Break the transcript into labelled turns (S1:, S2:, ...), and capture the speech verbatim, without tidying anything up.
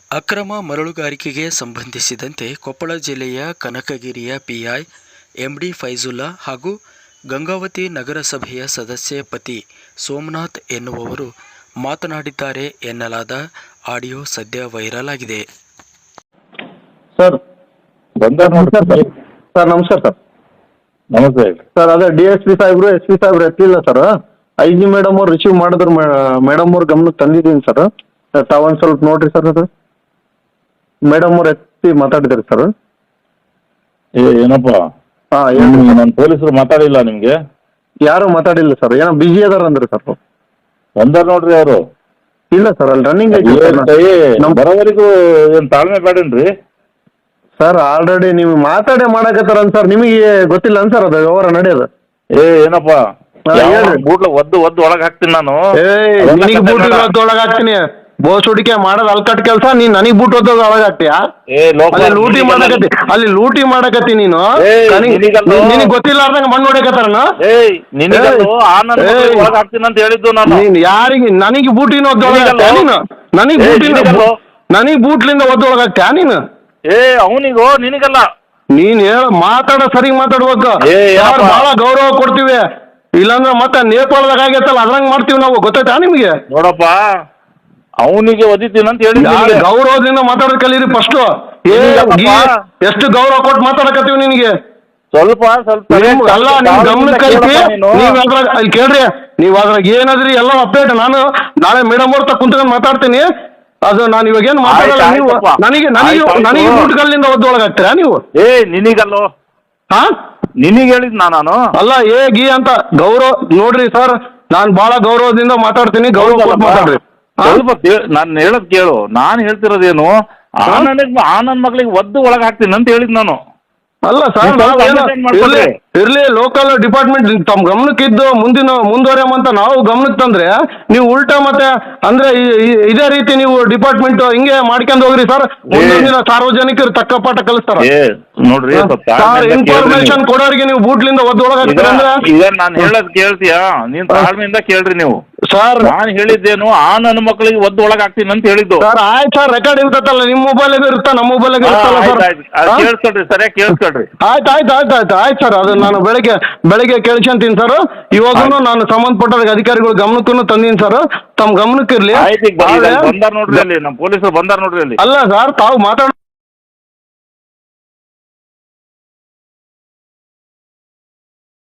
S1: ಅಕ್ರಮ ಮರಳುಗಾರಿಕೆಗೆ ಸಂಬಂಧಿಸಿದಂತೆ ಕೊಪ್ಪಳ ಜಿಲ್ಲೆಯ ಕನಕಗಿರಿಯ ಪಿಐ ಎಂಡಿ ಫೈಜುಲ್ಲಾ ಹಾಗೂ ಗಂಗಾವತಿ ನಗರಸಭೆಯ ಸದಸ್ಯ ಪತಿ ಸೋಮನಾಥ್ ಎನ್ನುವವರು ಮಾತನಾಡಿದ್ದಾರೆ ಎನ್ನಲಾದ ಆಡಿಯೋ ಸದ್ಯ ವೈರಲ್ ಆಗಿದೆ.
S2: ಸರ್ ಸರ್ ನಮಸ್ಕಾರ ಸರ್.
S3: ನಮಸ್ತೆ
S2: ಸರ್ ಅದೇ ಡಿ ಎಸ್ ಪಿ ಸಾಹೇಬ್ರು ಎಸ್ ಪಿ ಸಾಹೇಬ್ರು ಎತ್ತಿಲ್ಲ ಸರ್. ಐ ಜಿ ಮೇಡಮ್ ಅವ್ರು ರಿಸೀವ್ ಮಾಡಿದ್ರು, ಮೇಡಮ್ ಅವ್ರ ಗಮನಕ್ಕೆ ತಂದಿದ್ದೀನಿ ಸರ್. ತಾವೊಂದು ಸ್ವಲ್ಪ ನೋಡ್ರಿ ಸರ್. ಅದು ಮೇಡಮ್ ಅವ್ರು ಎತ್ತಿ ಮಾತಾಡಿದ್ರಿ ಸರ್.
S3: ಏ ಏನಪ್ಪ,
S2: ಹಾಂ ಹೇಳಿ.
S3: ನನ್ನ ಪೊಲೀಸರು ಮಾತಾಡಿಲ್ಲ ನಿಮ್ಗೆ?
S2: ಯಾರು ಮಾತಾಡಿಲ್ಲ ಸರ್, ಏನೋ ಬಿಜಿ ಅದಾರ ಅಂದ್ರೆ ಸರ್.
S3: ಬಂದಾರ ನೋಡ್ರಿ ಅವರು.
S2: ಇಲ್ಲ ಸರ್, ಅಲ್ಲಿ ರನ್ನಿಂಗ್
S3: ನಮ್ಮ ಬರೋವರೆಗೂ ಏನು ತಾಳ್ಮೆ ಬೇಡನ್ರಿ
S2: ಸರ್. ಆಲ್ರೆಡಿ ನೀವು ಮಾತಾಡೇ ಮಾಡಕತ್ತಾರ ಸರ್, ನಿಮಗೆ ಗೊತ್ತಿಲ್ಲ ಸರ್ ಅದು ವ್ಯವಹಾರ ನಡೆಯೋದು.
S3: ಏ ಏನಪ್ಪ, ಬೂಟ್ಲ ಒದ್ದು ಒದ್ದು ಒಳಗೆ ಹಾಕ್ತೀನಿ ನಾನು.
S2: ಏ ನಿನಗೆ ಬೂಟ್ ಒಳಗೆ ಹಾಕ್ತೀನಿ. ಬೋಸ್ ಹುಡಿಕೆ ಮಾಡೋದು ಅಲ್ಕಟ್ ಕೆಲಸ. ನೀನ್ ನನಗೆ ಬೂಟ್ ಓದೋದು ಒಳಗೆ ಹಾಕ್ತೀಯಾ? ಅಲ್ಲಿ ಲೂಟಿ ಮಾಡಕತ್ತಿ, ಅಲ್ಲಿ ಲೂಟಿ ಮಾಡಕತ್ತಿ ನೀನು. ನಿನಗೆ ಗೊತ್ತಿಲ್ಲಾರ್ದಂಗ ಮಣ್ಣು ಹೊಡಕತ್ತಾರನ?
S3: ಅಂತ ಹೇಳಿದ್ದು ನಾನು.
S2: ನೀನ್ ಯಾರಿಗೆ ನನಗೆ ಬೂಟಿನ ಒದ್ದೊಳಗೆ ನೀನು? ನನಗೆ ಬೂಟಿನ ನನಗೆ ಬೂಟ್ಲಿಂದ ಒದ್ದೊಳಗೆ ಹಾಕ್ತೀಯಾ ನೀನು?
S3: ಏ ಅವನಿಗೋ ನಿನಗಲ್ಲ.
S2: ನೀನ್ ಹೇಳ ಮಾತಾಡ ಸರಿ ಮಾತಾಡ್ಬೇಕು. ಬಹಳ ಗೌರವ ಕೊಡ್ತೀವಿ, ಇಲ್ಲಾಂದ್ರೆ ಮತ್ತೆ ನೇಪಾಳದಾಗ ಆಗೈತಲ್ಲ ಅದ್ರಂಗ್ ಮಾಡ್ತೀವಿ ನಾವು. ಗೊತ್ತಾಯ್ತಾ ನಿಮ್ಗೆ?
S3: ನೋಡಪ್ಪ, ಅವನಿಗೆ ಒದಿತೀನಿ ಅಂತ ಹೇಳಿ
S2: ಗೌರವದಿಂದ ಮಾತಾಡೋದ್ ಕಲೀರಿ ಫಸ್ಟ್. ಎಷ್ಟು ಗೌರವ ಕೊಟ್ಟು ಮಾತಾಡಕತ್ತೀವಿ ನಿನಗೆ.
S3: ಸ್ವಲ್ಪ ಸ್ವಲ್ಪ
S2: ಅಲ್ಲ ನಿಮ್ ಗಮನಕ್ಕೆ ಐತಿ. ನೀವ್ ಅದ್ರಾಗ ಅಲ್ಲಿ ಕೇಳ್ರಿ, ನೀವ್ ಅದ್ರಾಗ ಏನಾದ್ರಿ ಎಲ್ಲ ಅಪ್ಡೇಟ್. ನಾನು ನಾಳೆ ಮೇಡಮ್ ಅವ್ರ ತ ಕುಂತ್ಕೊಂಡು ಮಾತಾಡ್ತೀನಿ. ಅದು ನಾನು ಇವಾಗ ಏನ್ ಮಾತಾಡಲ್ಲ. ನೀವು ನನಗೆ ನನಗೆ ನನಗೆ ಬೂಟ್ಗಲ್ಲಿಂದ ಒದ್ದೊಳಗೆ ಹಾಕ್ತೀರಾ ನೀವು?
S3: ಏ ನಿನಗಲ್ಲೋ.
S2: ಹಾ
S3: ನಿನಗೆ ಹೇಳಿದ್ ನಾನು
S2: ಅಲ್ಲ. ಏ ಗಿ ಅಂತ ಗೌರವ ನೋಡ್ರಿ ಸರ್. ನಾನ್ ಬಹಳ ಗೌರವದಿಂದ ಮಾತಾಡ್ತೀನಿ, ಗೌರವ ಮಾತಾಡ್ರಿ.
S3: ಸ್ವಲ್ಪ ನಾನು ಹೇಳದ್ ಕೇಳು. ನಾನು ಹೇಳ್ತಿರೋದೇನು, ಆ ನನಗ್ ಆ ನನ್ನ ಮಗಳಿಗೆ ಒದ್ದು ಒಳಗೆ ಹಾಕ್ತೀನಿ ಅಂತ ಹೇಳಿದ್ ನಾನು.
S2: ಅಲ್ಲ ಸರ್, ಇರ್ಲಿ ಲೋಕಲ್ ಡಿಪಾರ್ಟ್ಮೆಂಟ್ ತಮ್ಮ ಗಮನಕ್ಕೆ ಇದ್ದು ಮುಂದಿನ ಮುಂದುವರೆಯಂತ ನಾವು ಗಮನಕ್ಕೆ ತಂದ್ರೆ ನೀವು ಉಲ್ಟಾ ಮತ್ತೆ ಅಂದ್ರೆ ಇದೇ ರೀತಿ ನೀವು ಡಿಪಾರ್ಟ್ಮೆಂಟ್ ಹಿಂಗೆ ಮಾಡ್ಕೊಂಡು ಹೋಗ್ರಿ ಸರ್. ಮುಂದಿನ ಸಾರ್ವಜನಿಕರು ತಕ್ಕ ಪಾಠ ಕಲಿಸ್ತಾರ
S3: ನೋಡ್ರಿ.
S2: ಇನ್ಫಾರ್ಮೇಶನ್ ಕೊಡೋರಿಗೆ ನೀವು ಬೂಟ್ಲಿಂದ ಒದ್ದೊಳಗೆ
S3: ಈಗ ನಾನು ಹೇಳೋದ್ ಕೇಳ್ತೀಯಾ? ನೀನ್ ತಾಳ್ಮೆಯಿಂದ ಕೇಳ್ರಿ ನೀವು.
S2: ಸರ್
S3: ನಾನು ಹೇಳಿದ್ದೇನು, ಆ ನನ್ನ ಮಕ್ಕಳಿಗೆ ಒದ್ದು ಒಳಗೆ ಹಾಕ್ತೀನಿ ಅಂತ ಹೇಳಿದ್ದು
S2: ಸರ್. ಆಯ್ತು ಸರ್, ರೆಕಾರ್ಡ್ ಇರ್ತಲ್ಲ, ನಿಮ್ಮ ಮೊಬೈಲ್ ಇರುತ್ತಾ ನಮ್ಮ ಮೊಬೈಲ್ ಇರುತ್ತಲ್ಲ ಸರ್.
S3: ಕೇಳಿಸ್ಕೊಳ್ರಿ, ಸರಿಯಾಗಿ ಕೇಳಿಸ್ಕೊಳ್ರಿ.
S2: ಆಯ್ತು ಆಯ್ತು ಆಯ್ತು ಆಯ್ತು ಆಯ್ತು ಸರ್. ಅದು ನಾನು ಬೆಳಗ್ಗೆ ಬೆಳಗ್ಗೆ ಕೇಳ್ಕೊಂತೀನಿ ಸರ್. ಇವಾಗೂ ನಾನು ಸಂಬಂಧಪಟ್ಟ ಅಧಿಕಾರಿಗಳ ಗಮನಕ್ಕೂ ತಂದೀನಿ ಸರ್. ತಮ್ಮ ಗಮನಕ್ಕೆ ಇರ್ಲಿ.
S3: ಬಂದಾರ ನೋಡ್ರಿ ಅಲ್ಲಿ, ನಮ್ಮ ಪೊಲೀಸರು ಬಂದಾರ ನೋಡ್ರಿ ಅಲ್ಲಿ.
S2: ಅಲ್ಲ ಸರ್, ತಾವು ಮಾತಾಡ